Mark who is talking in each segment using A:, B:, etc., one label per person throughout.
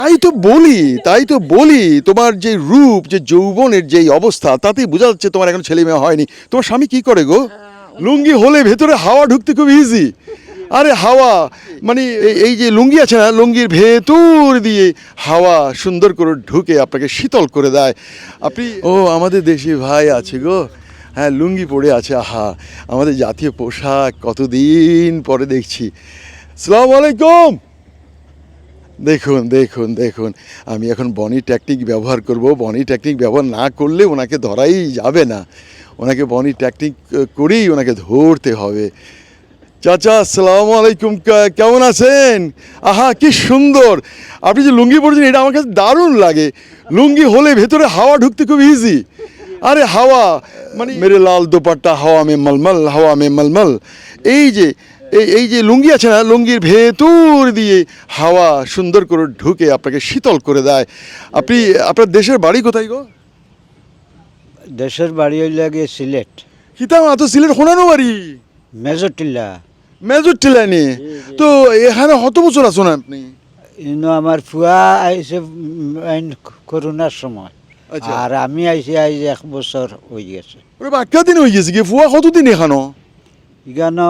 A: তাই তো বলি তোমার যে রূপ যে যৌবনের যেই অবস্থা তাতেই বোঝা যাচ্ছে তোমার এখন ছেলে মেয়ে হয়নি। তোমার স্বামী কি করে গো? লুঙ্গি হলে ভেতরে হাওয়া ঢুকতে খুব ইজি। আরে হাওয়া মানে এই যে লুঙ্গি আছে না, লুঙ্গির ভেতর দিয়ে হাওয়া সুন্দর করে ঢুকে আপনাকে শীতল করে দেয়। আপনি আমাদের দেশি ভাই আছে গো, হ্যাঁ লুঙ্গি পরে আছে। আহা, আমাদের জাতীয় পোশাক কতদিন পরে দেখছি। আসসালামু আলাইকুম। দেখুন দেখুন দেখুন, আমি এখন বনি টেকনিক ব্যবহার করব। বনি টেকনিক ব্যবহার না করলে ওনাকে ধরাই যাবে না, ওনাকে বনি টেকনিক করেই ওনাকে ধরতে হবে। চাচা আসসালামু আলাইকুম, কেমন আছেন? আহা কি সুন্দর, আপনি যে লুঙ্গি পরেছেন এটা আমার কাছে দারুণ লাগে। লুঙ্গি হলে ভেতরে হাওয়া ঢুকতে খুব ইজি। আরে হাওয়া মানে মেরে লাল দোপাট্টা হাওয়া মে মলমল, হাওয়া মে মলমল। এই যে লুঙ্গি আছে না, লুঙ্গির ভেতর দিয়ে হাওয়া সুন্দর করে ঢুকে আপনাকে শীতল করে দেয়। আপনার দেশের বাড়ি কোথায় গো?
B: দেশের বাড়ি হইলে গিয়ে সিলেট
A: কিতাম তো সিলেট হোনানো বাড়ি
B: মেজরটিল্লা।
A: মেজর টিলানি। তো এখানে কত বছর আছো না আপনি?
B: ইনো আমার ফুয়া আইসে করোনার সময়,
A: আচ্ছা।
B: আর আমি আইসি আইজ 1 বছর হয়ে গেছে।
A: ওরে বাক্কা দিন হয়ে গেছে কি, ফুয়া কতদিন এখানো?
B: এখানে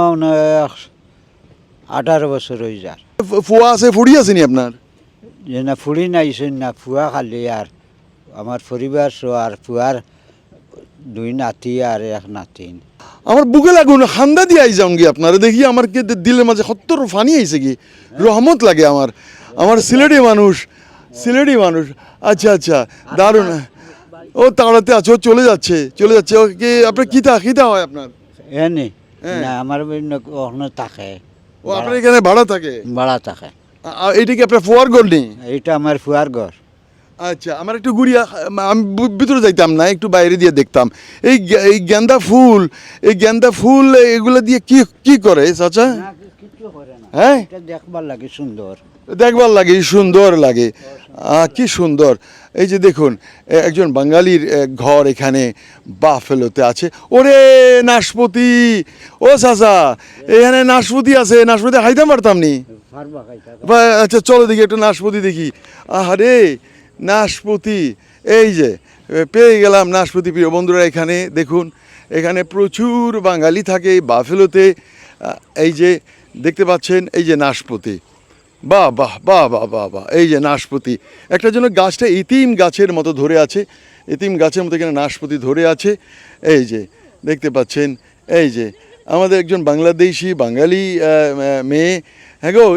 B: 18 বছর হয়ে যায়।
A: ফুয়া আছে ফুড়ি আছে নি আপনার?
B: যে না ফুড়ি নাইছেন না, ফুয়া খালি আর আমার পরিবার সো, আর ফুয়ার 2 নাতি আর 1 নাতিন।
A: আমার বুকে লাগুন খান্দা দিয়ে আই যাউন গি আপনারা দেখি, আমার কে দিলের মাঝে সত্তর ফানি আইছে কি রহমত লাগে আমার সিলেটি মানুষ। আচ্ছা আচ্ছা, দারুণ। ও তাড়াতে আছে, ও চলে যাচ্ছে। ওকে আপনার কিতা হয় আপনার?
B: এনে
A: হ্যাঁ।
B: না আমার ওখানে থাকে,
A: ও আপনার এখানে ভাড়া থাকে?
B: ভাড়া থাকে।
A: এইটা কি আপনার ফুয়ার গোল নেই?
B: এইটা আমার ফুয়ার ঘর।
A: আচ্ছা, আমার একটু ঘুরিয়া, আমি ভিতরে যাইতাম না, একটু বাইরে দিয়ে দেখতাম। এই গেন্দা ফুল এগুলো দিয়ে কি করে চাচা?
B: কিছু করে না,
A: হ্যাঁ
B: এটা দেখবার লাগে সুন্দর।
A: দেখবার লাগে, সুন্দর লাগে। কি সুন্দর। এই যে দেখুন, একজন বাঙালির ঘর এখানে বাফেলোতে আছে। ওরে নাশপতি, ও চাচা এখানে নাশপতি আছে, নাশপতি খাইতাম পারতাম নি। আচ্ছা চলো দেখি একটু নাশপতি দেখি। আহারে নাশপতি, এই যে পেয়ে গেলাম নাশপতি। প্রিয় বন্ধুরা, এখানে দেখুন, এখানে প্রচুর বাঙালি থাকে এই বাফেলোতে। এই যে দেখতে পাচ্ছেন, এই যে নাশপতি, বাহ বাহ বাহ বাহ বাহ বাহ। এই যে নাশপতি, একটা জন্য গাছটা ইতিম গাছের মতো ধরে আছে, ইতিম গাছের মতো এখানে নাশপতি ধরে আছে। এই যে দেখতে পাচ্ছেন, এই যে আমাদের একজন বাঙালি মেয়ে। হ্যাঁ গো,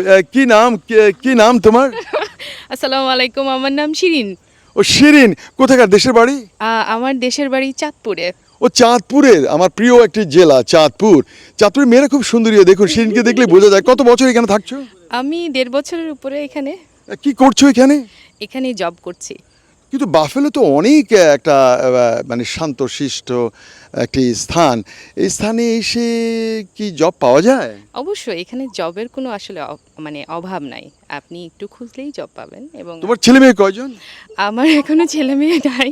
A: কি নাম তোমার?
C: আসসালামু আলাইকুম, আমার নাম শিরিন।
A: ও শিরিন, কোথাকার দেশের বাড়ি?
C: আমার দেশের বাড়ি চাঁদপুরে।
A: ও চাঁদপুরের, আমার প্রিয় একটি জেলা চাঁদপুরের মেয়েরা খুব সুন্দরী। দেখুন শিরিনকে দেখলে বোঝা যায়। কত বছর এখানে থাকছো?
C: আমি 1.5 বছরের উপরে এখানে
A: কি করছো এখানে?
C: এখানে জব করছি।
A: কিন্তু বাফেলো তো অনেক একটা মানে শান্তশিষ্ট একটি স্থান। এই স্থানে এসে কি জব পাওয়া যায়?
C: অবশ্যই এখানে জবের কোনো আসলে মানে অভাব নাই, আপনি একটু খুঁজলেই জব পাবেন। এবং
A: তোমার ছেলে মেয়ে কয়জন?
C: আমার এখনো ছেলে মেয়ে নাই।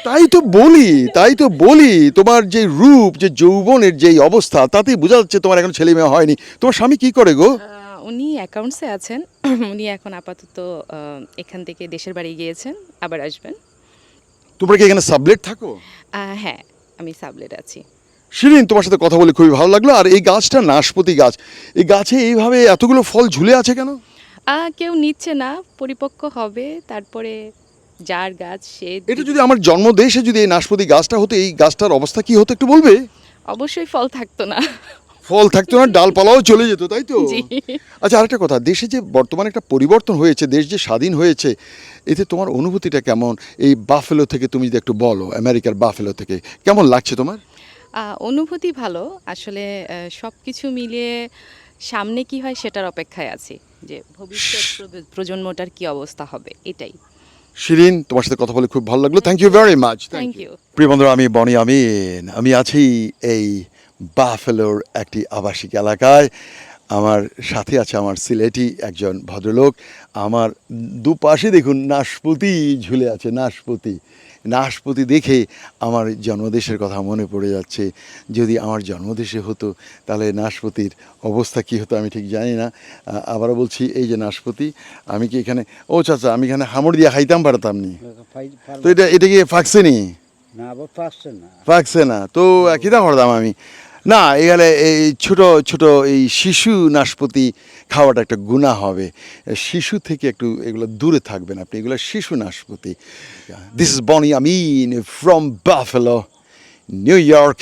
A: তাই তো বলি তোমার যে রূপ যে যৌবনের যেই অবস্থা তাতেই বোঝা যাচ্ছে তোমার এখন ছেলে মেয়ে হয়নি। তোমার স্বামী কি করে গো?
C: উনি অ্যাকাউন্টসে আছেন। উনি এখন আপাতত এখান থেকে দেশের বাড়ি গিয়েছেন, আবার আসবেন।
A: তোমরা কি এখানে সাবলেট থাকো?
C: হ্যাঁ, আমি সাবলেট আছি।
A: শিরিন, তোমার সাথে কথা বলে খুবই ভালো লাগলো। আর এই গাছটা নাশপাতি গাছ, এই গাছে এইভাবে এতগুলো ফল ঝুলে আছে কেন?
C: কেউ নিচ্ছে না, পরিপক্ক হবে তারপরে যার গাছ সে।
A: এটা যদি আমার জন্মদেশে যদি এই নাশপাতি গাছটা হতো, এই গাছটার অবস্থা কি হতো একটু বলবে?
C: অবশ্যই ফল থাকতো না।
A: ফল থাকতো না, ডালপালাও চলে যেত, তাই তো?
C: জি।
A: আচ্ছা, আরেকটা কথা, দেশে যে বর্তমানে একটা পরিবর্তন হয়েছে, দেশ যে স্বাধীন হয়েছে, এতে তোমার অনুভূতিটা কেমন? এই বাফেলো থেকে তুমি যদি একটু বলো, আমেরিকার বাফেলো থেকে কেমন লাগছে তোমার?
C: অনুভূতি ভালো আসলে। সব কিছু মিলিয়ে সামনে কি হয় সেটার অপেক্ষায় আছি, যে ভবিষ্যৎ প্রজন্মটার কি অবস্থা হবে, এটাই।
A: শিরিন, তোমার সাথে কথা বলে খুব ভালো লাগলো। Thank you very much.
C: Thank you.
A: প্রিয় বন্ধুরা, আমি বনি আমিন, আমি আছি এই বাফেলোর একটি আবাসিক এলাকায়। আমার সাথে আছে আমার সিলেটি একজন ভদ্রলোক। আমার দুপাশে দেখুন নাশপাতি ঝুলে আছে, নাশপাতি দেখে আমার জন্মদেশের কথা মনে পড়ে যাচ্ছে। যদি আমার জন্মদেশে হতো তাহলে নাশপাতির অবস্থা কী হতো আমি ঠিক জানি না। আবারও বলছি, এই যে নাশপাতি, আমি কি এখানে, ও চাচা, আমি এখানে হামড় দিয়ে খাইতাম পারতাম নি, তো এটা কি ফাঁকছে নি?
B: না আবার পারছে না।
A: পাকছে না তো কিতা করতাম আমি? না, এখানে এই ছোট ছোট এই শিশু নাশপাতি খাওয়াটা একটা গুনাহ হবে। শিশু থেকে একটু এগুলো দূরে থাকবেন আপনি, এগুলো শিশু নাশপাতি। This is Bonnie Amin from Buffalo, New York,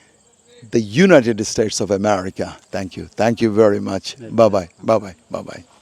A: the United States of America. Thank you very much. Bye bye.